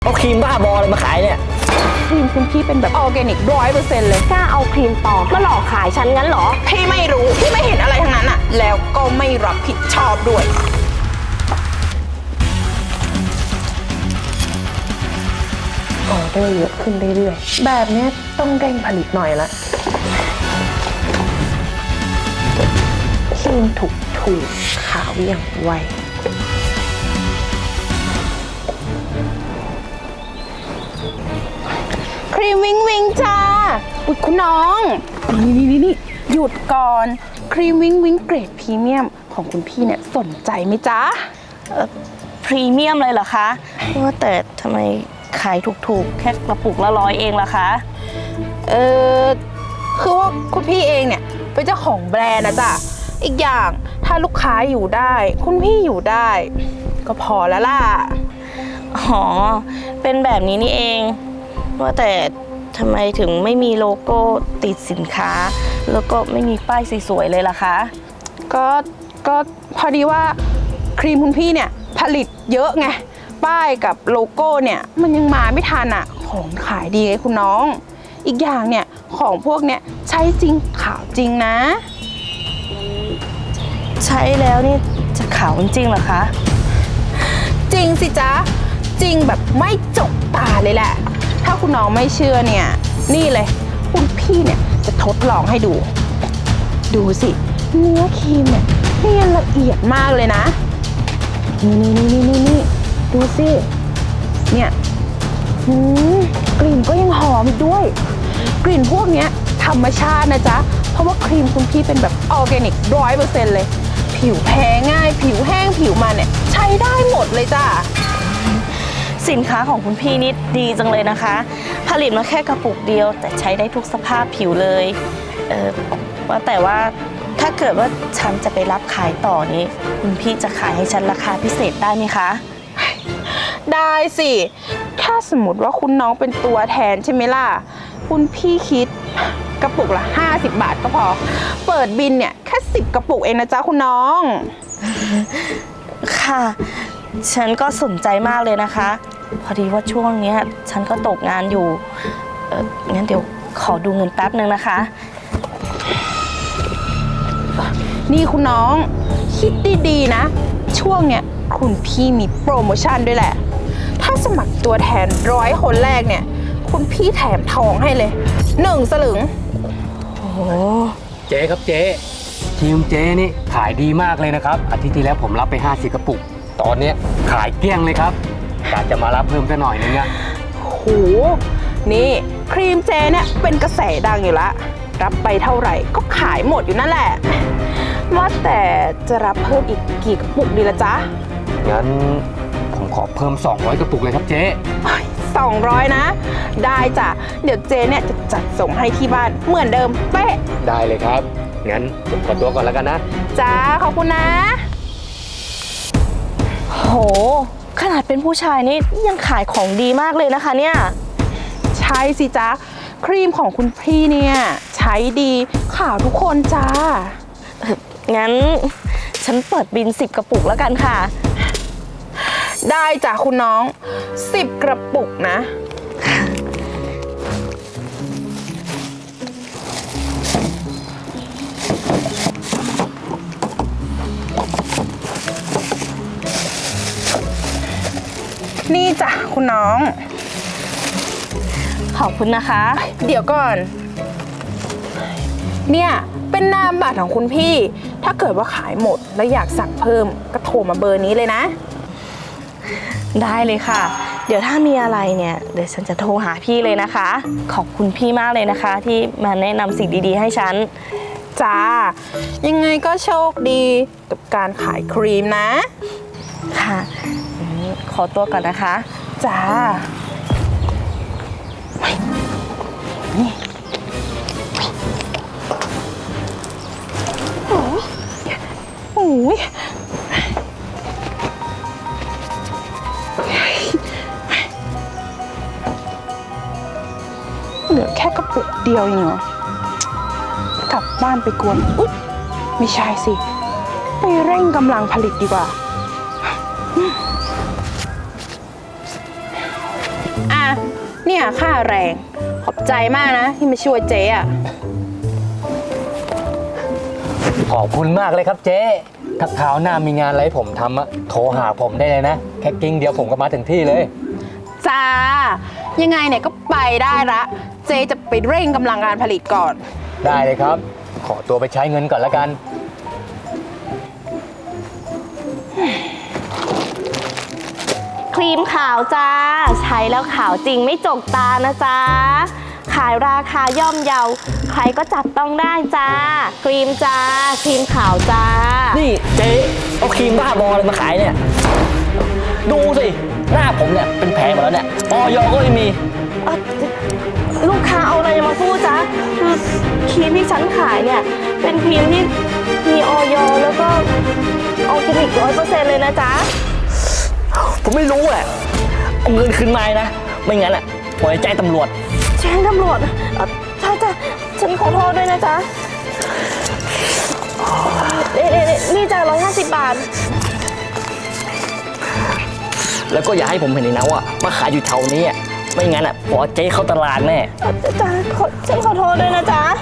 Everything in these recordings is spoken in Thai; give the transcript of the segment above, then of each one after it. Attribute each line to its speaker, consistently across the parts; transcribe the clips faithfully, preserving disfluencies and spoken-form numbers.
Speaker 1: เอาครีมบ้าบออะไรมาขายเนี่ย
Speaker 2: ครีมคุณพี่เป็นแบบออร์แกนิกร้อยเปอร์เซ็นต์เลย
Speaker 3: กล้าเอาครีมปลอมมาหลอกขายฉันงั้นเหรอ
Speaker 2: พี่ไม่รู้พี่ไม่เห็นอะไรทั้งนั้นอะแล้วก็ไม่รับผิดชอบด้วยออเดอร์เยอะขึ้นเรื่อยๆแบบนี้ต้องเร่งผลิตหน่อยละครีมถูกถูกขาวอย่างไวครีมวิงวิงจ้าอุ๊ยคุณน้องนี่นี่นี่หยุดก่อนครีมวิงวิงเกรดพรีเมียมของคุณพี่เนี่ยสนใจไหมจ๊ะ
Speaker 3: พรีเมียมเลยเหรอคะว่าแต่ทำไมขายถูกๆแค่กระปุกละร้อยเองล่ะคะ
Speaker 2: เออคือว่าคุณพี่เองเนี่ยเป็นเจ้าของแบรนด์นะจ๊ะอีกอย่างถ้าลูกค้าอยู่ได้คุณพี่อยู่ได้ก็พอแล้วล่ะ
Speaker 3: อ๋อเป็นแบบนี้นี่เองว่าแต่ทำไมถึงไม่มีโลโก้ติดสินค้าแล้วก็ไม่มีป้ายสวยๆเลยล่ะคะ
Speaker 2: ก็ก็พอดีว่าครีมคุณพี่เนี่ยผลิตเยอะไงป้ายกับโลโก้เนี่ยมันยังมาไม่ทันอ่ะของขายดีไงคุณน้องอีกอย่างเนี่ยของพวกเนี่ยใช้จริงขาวจริงนะ
Speaker 3: ใช้แล้วนี่จะขาวจริงเหรอคะ
Speaker 2: จริงสิจ๊ะจริงแบบไม่จกตาเลยแหละถ้าคุณน้องไม่เชื่อเนี่ยนี่เลยคุณพี่เนี่ยจะทดลองให้ดูดูสิเนื้อครีมเนี่ยเนียนละเอียดมากเลยนะนี่นี่นี่นี่นี่ดูสิเนี่ยหืมกลิ่นก็ยังหอมอีกด้วยกลิ่นพวกเนี้ยธรรมชาตินะจ๊ะเพราะว่าครีมคุณพี่เป็นแบบออร์แกนิกร้อยเปอร์เซ็นต์เลยผิวแพ้ง่ายผิวแห้งผิวมันเนี่ยใช้ได้หมดเลยจ้ะ
Speaker 3: สินค้าของคุณพี่นี่ดีจังเลยนะคะผลิตมาแค่กระปุกเดียวแต่ใช้ได้ทุกสภาพผิวเลยเออว่าแต่ว่าถ้าเกิดว่าฉันจะไปรับขายต่อนี้คุณพี่จะขายให้ฉันราคาพิเศษได้ไหมคะ
Speaker 2: ได้สิถ้าสมมติว่าคุณน้องเป็นตัวแทนใช่ไหมล่ะคุณพี่คิดกระปุกละห้าสิบบาทก็พอเปิดบินเนี่ยแค่สิบกระปุกเองนะจ๊ะคุณน้อง
Speaker 3: ค่ะฉันก็สนใจมากเลยนะคะพอดีว่าช่วงนี้ฉันก็ตกงานอยู่เอองั้นเดี๋ยวขอดูเงินแป๊บนึงนะคะ
Speaker 2: นี่คุณน้องคิดดีๆนะช่วงเนี้ยคุณพี่มีโปรโมชั่นด้วยแหละถ้าสมัครตัวแทนร้อยคนแรกเนี่ยคุณพี่แถมทองให้เลยหนึ่งสลึง
Speaker 3: โอ้
Speaker 1: เจ๊ครับเจ๊ทีมเจ๊นี่ขายดีมากเลยนะครับอาทิตย์ที่แล้วผมรับไปห้าสิบกระปุกตอนนี้ขายเกลี้ยงเลยครับอยากจะมารับเพิ่มสักหน่อยนึงอะ
Speaker 2: โหนี่ครีมเจเนี่ยเป็นกระแสดังอยู่ละรับไปเท่าไหร่ก็ขายหมดอยู่นั่นแหละว่าแต่จะรับเพิ่มอีกกี่กระปุกดีละจ๊ะ
Speaker 1: งั้นผมขอเพิ่มสองร้อยกระปุกเลยครับเจ๊
Speaker 2: สองร้อยนะได้จ้ะเดี๋ยวเจเนี่ยจะจัดส่งให้ที่บ้านเหมือนเดิมเป๊ะ
Speaker 1: ได้เลยครับงั้นผมขอตัวก่อนแล้วกันนะ
Speaker 2: จ้าขอบคุณนะ
Speaker 3: โหขนาดเป็นผู้ชายนี่ยังขายของดีมากเลยนะคะเนี่ย
Speaker 2: ใช่สิจ๊ะครีมของคุณพี่เนี่ยใช้ดีขาวทุกคนจ้า
Speaker 3: งั้นฉันเปิดบินสิบกระปุกแล้วกันค่ะ
Speaker 2: ได้จ้ะคุณน้องสิบกระปุกนะนี่จ้ะคุณน้อง
Speaker 3: ขอบคุณนะคะ
Speaker 2: เดี๋ยวก่อนเนี่ยเป็นนามบัตรของคุณพี่ถ้าเกิดว่าขายหมดแล้วอยากสั่งเพิ่มก็โทรมาเบอร์นี้เลยนะ
Speaker 3: ได้เลยค่ะเดี๋ยวถ้ามีอะไรเนี่ยเดี๋ยวฉันจะโทรหาพี่เลยนะคะขอบคุณพี่มากเลยนะคะที่มาแนะนำสิ่งดีๆให้ฉัน
Speaker 2: จ้ายังไงก็โชคดีกับการขายครีมนะ
Speaker 3: ค่ะขอตัวก่อนนะคะ
Speaker 2: จ้าโอ้ยโอ้ยเหลือแค่กระปุกเดียวเองเหรอกลับบ้านไปกวนอุ๊ยไม่ใช่สิไปเร่งกำลังผลิตดีกว่าอ่ะ เนี่ยค่าแรง ขอบใจมากนะ ที่มาช่วยเจ๊อะ
Speaker 1: ขอบคุณมากเลยครับเจ๊ถ้าคราวหน้ามีงานอะไรให้ผมทำอะโทรหาผมได้เลยนะ แค่กิ้งเดียวผมก็มาถึงที่เลย
Speaker 2: จ้า ยังไงเนี่ยก็ไปได้ละ เจ๊จะไปเร่งกำลังการผลิตก่อน
Speaker 1: ได้เลยครับ ขอตัวไปใช้เงินก่อนละกัน
Speaker 3: ครีมขาวจ้า ใช้แล้วขาวจริงไม่จกตานะจ๊ะ ขายราคาย่อมเยา ใครก็จับต้องได้จ้า ครีมจ้า ครีมขาวจ้า
Speaker 4: นี่เจ๊เอาครีมบ้าบออะไรมาขายเนี่ย ดูสิ หน้าผมเนี่ยเป็นแผลหมดแล้วเนี่ยออยก็ไม่มี
Speaker 3: เอ่อลูกค้าเอาอะไรมาพูดจ๊ะคือครีมที่ฉันขายเนี่ย เป็นครีมที่มีออยแล้วก็ออร์แกนิกร้อยเปอร์เซ็นต์เลยนะจ๊ะ
Speaker 4: ผมไม่รู้แหละเอาเงินคืนมานะ ไม่งั้นอ่ะปล่อยใจตำรวจ
Speaker 3: แจ้งตำรวจเอ่อจ้าจ้าฉันขอโทษด้วยนะจ๊ะนี่นี่นี่นี่จ้ะร้อยห้าสิบบาท
Speaker 4: แล้วก็อย่าให้ผมเห็นอีกนะว่ามาขายอยู่แถวนี้อ่ะไม่งั้นอ่ะปล่อยเจ๊เข้าตลาดแน่
Speaker 3: เอ่อจ้าขอฉันขอโทษด้วยนะจ๊ะ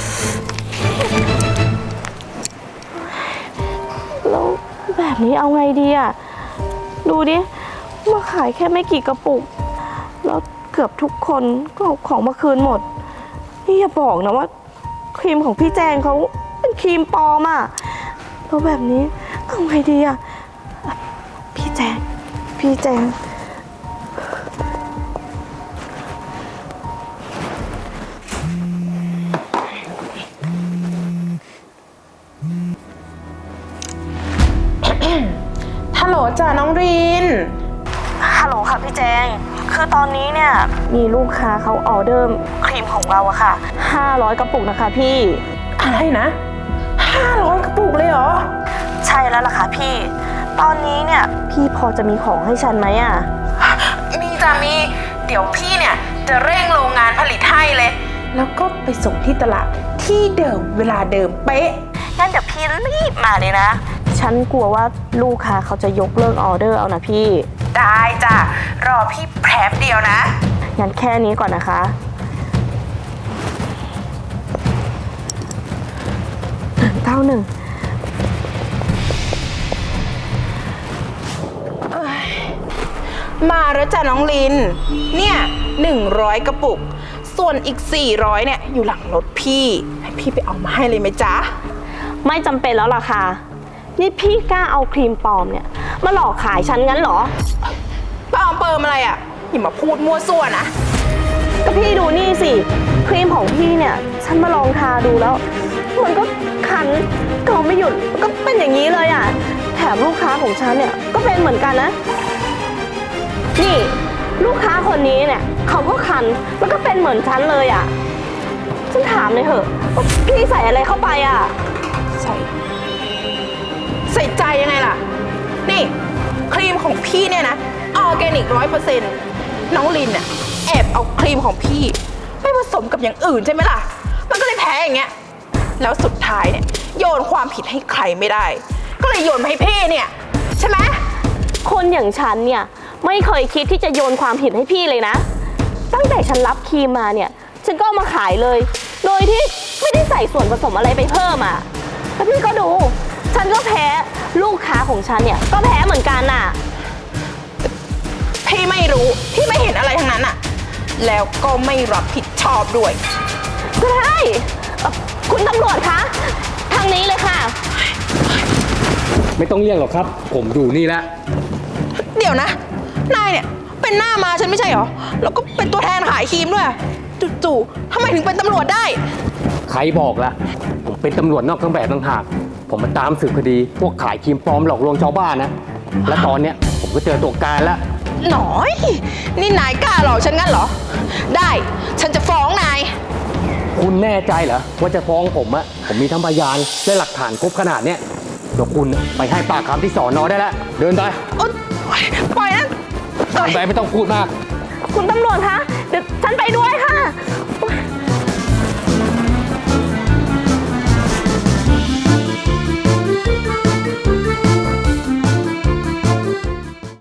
Speaker 3: แล้วแบบนี้เอาไงดีอ่ะ ดูดิ มาขายแค่ไม่กี่กระปุก แล้วเกือบทุกคนก็เอาของมาคืนหมด นี่อย่าบอกนะว่าครีมของพี่แจงเขาเป็นครีมปลอมอ่ะ แล้วแบบนี้เอาไงดีอ่ะ พี่แจง พี่แจง
Speaker 2: ฮัลโหลจ้าน้องริน
Speaker 3: ฮัลโหลค่ะพี่แจง คือตอนนี้เนี่ยมีลูกค้าเขาออเดอร์ครีมของเราอะค่ะห้าร้อยกระปุกนะคะพี่
Speaker 2: อะไรนะห้าร้อยกระปุกเลยเหรอ
Speaker 3: ใช่แล้วล่ะค่ะพี่ ตอนนี้เนี่ยพี่พอจะมีของให้ฉันไหมอะ
Speaker 2: มีจ้ามี เดี๋ยวพี่เนี่ยจะเร่งโรงงานผลิตให้เลย แล้วก็ไปส่งที่ตลาดที่เดิมเวลาเดิมเป๊ะ
Speaker 3: งั้นเดี๋ยวพี่รีบมาเลยนะ ฉันกลัวว่าลูกค้าเขาจะยกเลิกออเดอร์เอานะพี่
Speaker 2: ได้จ้ะ รอพี่แป๊บเดียวนะ
Speaker 3: งั้นแค่นี้ก่อนนะคะเก้าหนึ่ง
Speaker 2: มาแล้วจ้ะน้องลิน เนี่ยหนึ่งร้อยกระปุก ส่วนอีกสี่ร้อยเนี่ยอยู่หลังรถพี่ ให้พี่ไปเอามาให้เลยไหมจ๊ะ
Speaker 3: ไม่จำเป็นแล้วล่ะค่ะ นี่พี่กล้าเอาครีมปลอมเนี่ยมาหลอกขายฉันงั้นเหรอ
Speaker 2: ป้าเอาเปิมอะไรอ่ะอย่ามาพูดมั่วซั่วนะ
Speaker 3: ก็พี่ดูนี่สิ ครีมของพี่เนี่ย ฉันมาลองทาดูแล้ว มันก็คันเกาไม่หยุดมันก็เป็นอย่างนี้เลยอ่ะ แถมลูกค้าของฉันเนี่ยก็เป็นเหมือนกันนะ นี่ลูกค้าคนนี้เนี่ยเขาก็คันแล้วก็เป็นเหมือนฉันเลยอ่ะ ฉันถามเลยเถอะว่าพี่ใส่อะไรเข้าไปอ่ะ
Speaker 2: ใส่ ใส่ใจยังไงล่ะ นี่ ครีมของพี่เนี่ยนะออร์แกนิกร้อยเปอร์เซ็นต์น้องลินเนี่ยแอบเอาครีมของพี่ไปผสมกับอย่างอื่นใช่ไหมล่ะ มันก็เลยแพ้อย่างเงี้ย แล้วสุดท้ายเนี่ยโยนความผิดให้ใครไม่ได้ ก็เลยโยนมาให้พี่เนี่ย ใช่ไหม
Speaker 3: คนอย่างฉันเนี่ยไม่เคยคิดที่จะโยนความผิดให้พี่เลยนะ ตั้งแต่ฉันรับครีมมาเนี่ย ฉันก็เอามาขายเลย โดยที่ไม่ได้ใส่ส่วนผสมอะไรไปเพิ่มอ่ะแล้วพี่ก็ดู ฉันก็แพ้ลูกค้าของฉันเนี่ยก็แพ้เหมือนกันน่ะ
Speaker 2: พี่ไม่รู้ พี่ไม่เห็นอะไรทั้งนั้นอะแล้วก็ไม่รับผิดชอบด้วย
Speaker 3: ก็ได้เอ่อคุณตำรวจคะ ทางนี้เลยค่ะ
Speaker 1: ไม่ต้องเรียกหรอกครับ ผมอยู่นี่แล้ว
Speaker 2: เดี๋ยวนะ นายเนี่ยเป็นหน้ามาฉันไม่ใช่เหรอ แล้วก็เป็นตัวแทนขายครีมด้วยจู่ๆทำไมถึงเป็นตำรวจได้
Speaker 1: ใครบอกละผมเป็นตำรวจนอกเครื่องแบบต่างหากผมมาตามสืบคดี พวกขายครีมปลอมหลอกลวงชาวบ้านนะ และตอนเนี้ยผมก็เจอตัวการแล้ว
Speaker 2: หน่อย นี่นายกล้าหลอกฉันงั้นเหรอ ได้ ฉันจะฟ้องนาย
Speaker 1: คุณแน่ใจเหรอว่าจะฟ้องผมอะผมมีทั้งพยานและหลักฐานครบขนาดเนี้ยเดี๋ยวคุณไปให้ปากคำที่สอนอได้แล้ว เดินไป
Speaker 2: โอ๊ยปล่อยนะ
Speaker 1: เดินไปไม่ต้องพูดมาก
Speaker 3: คุณตำรวจคะ เดี๋ยวฉันไปด้วยค่ะ